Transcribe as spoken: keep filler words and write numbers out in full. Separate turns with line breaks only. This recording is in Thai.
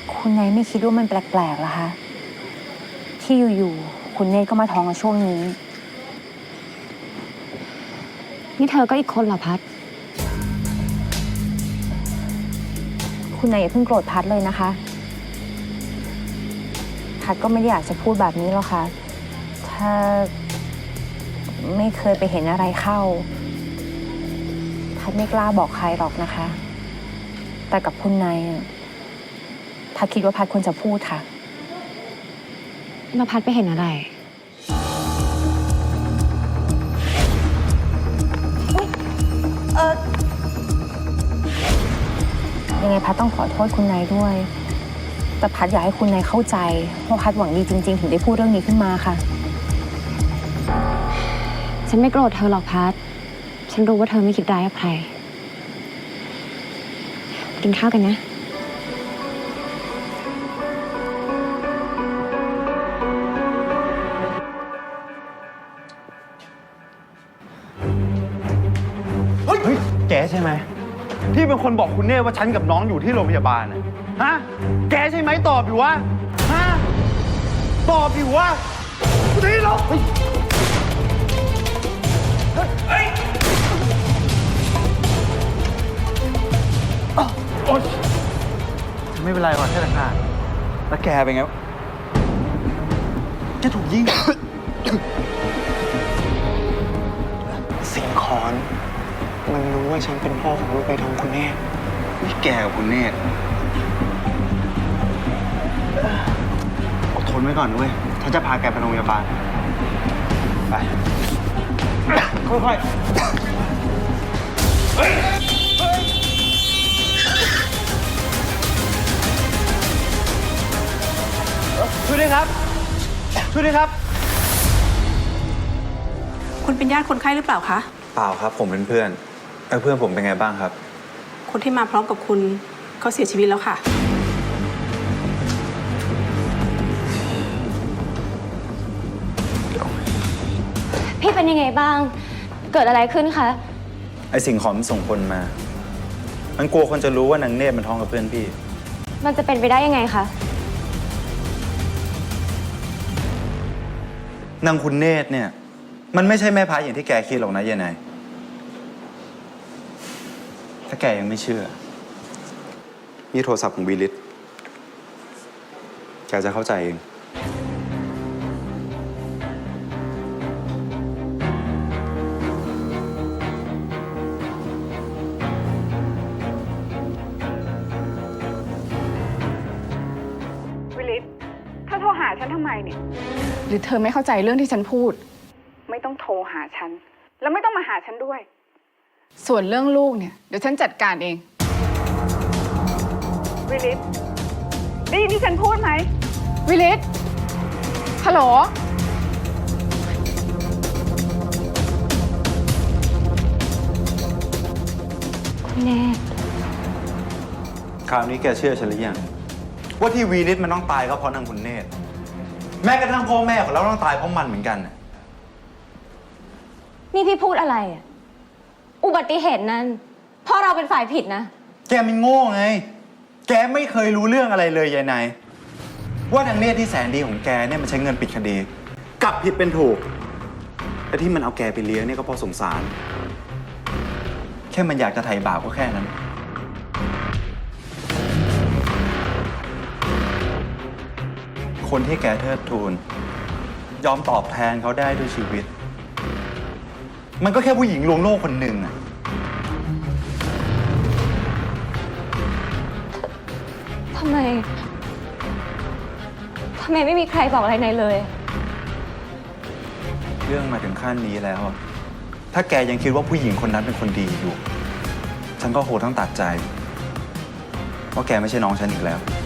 คุณนายไม่คิดว่ามันแปลกๆเหรอคะที่อยู่ๆคุณเนตรก็มาท้องในช่วงนี้
นี่เธอก็อีกคนเหรอพัด
คุณนายอย่าเพิ่งโกรธพัดเลยนะคะพัดก็ไม่ได้อยากจะพูดแบบนี้หรอกค่ะถ้าไม่เคยไปเห็นอะไรเข้าพัดไม่กล้าบอกใครหรอกนะคะแต่กับคุณนายพัดคิดว่าพัดควรจะพูดค่ะ
แล้วพัดไปเห็นอะไร
เออยังไงพัดต้องขอโทษคุณนายด้วยแต่พัดอยากให้คุณนายเข้าใจว่าพัดหวังดีจริงๆถึงได้พูดเรื่องนี้ขึ้นมาค่ะ
ฉันไม่โกรธเธอหรอกพัดฉันรู้ว่าเธอไม่คิดร้ายกับใครกินข้าวกันนะ
เฮ้ยแกใช่ไหมที่เป็นคนบอกคุณเน่ว่าฉันกับน้องอยู่ที่โรงพยาบาลน่ะฮะแกใช่ไหมตอบอยู่วะฮะตอบอยู่วะที่เราเฮ้ยเฮ้ยโอ๊ยไม่เป็นไรก่อนแค่ตะขาดแล้วแกเป็นไงแกถูกยิง
สิงคอนมันรู้ว่าฉันเป็นพ่อของลูกในท้องคุณเนตร
นี่แกกับคุณเนตรอดทนไว้ก่อนด้วยฉันจะพาแกไปโรงพยาบาลไปค่อยๆเฮ้ยช่วยด้วยครับช่วยด้วยครับ
คุณเป็นญาติคนไข้หรือเปล่าคะ
เปล่าครับผมเป็นเพื่อนเออเพื่อนผมเป็นไงบ้างครับ
คนที่มาพร้อมกับคุณเขาเสียชีวิตแล้วค่ะ
พี่เป็นยังไงบ้างเกิดอะไรขึ้นคะ
ไอสิ่งของมันส่งคนมา มันกลัวคนจะรู้ว่านางเนตรมันท้องกับเพื่อนพี่
มันจะเป็นไปได้ยังไงคะ
นางคุณเนตรเนี่ยมันไม่ใช่แม่พายอย่างที่แกคิดหรอกนะยายนายถ้าแกยังไม่เชื่อนี่โทรศัพท์ของวิลิตแกจะเข้าใจเอง
วิลิตถ้าโทรหาฉันทำไมเนี่ยหรือเธอไม่เข้าใจเรื่องที่ฉันพูดไม่ต้องโทรหาฉันแล้วไม่ต้องมาหาฉันด้วยส่วนเรื่องลูกเนี่ยเดี๋ยวฉันจัดการเองวิลิตได้ยินที่ฉันพูดไหมวิลิตฮัลโหล
คุณเนตร
คราวนี้แกเชื่อฉันหรือยังว่าที่วีลิตมันต้องตายก็เพราะนางคุณเนตรแม้กระทั่งพ่อแม่ของเราต้องตายเพราะมันเหมือนกัน
นี่พี่พูดอะไรอ่ะอุบัติเหตุนั้นพ่อเราเป็นฝ่ายผิดนะ
แกมันโง่ไงแกไม่เคยรู้เรื่องอะไรเลยยายนายว่านางเนตรที่แสนดีของแกเนี่ยมันใช้เงินปิดคดีกลับผิดเป็นถูกแต่ที่มันเอาแกไปเลี้ยงเนี่ยก็เพราะสงสารแค่มันอยากจะไถ่บาปก็แค่นั้นคนที่แกเทิดทูนยอมตอบแทนเขาได้ด้วยชีวิตมันก็แค่ผู้หญิงลวงโลกคนหนึ่งอะ
ทำไมทำไมไม่มีใครบอกอะไรนายเลย
เรื่องมาถึงขั้นนี้แล้วถ้าแกยังคิดว่าผู้หญิงคนนั้นเป็นคนดีอยู่ฉันก็โหต้องตัดใจว่าแกไม่ใช่น้องฉันอีกแล้ว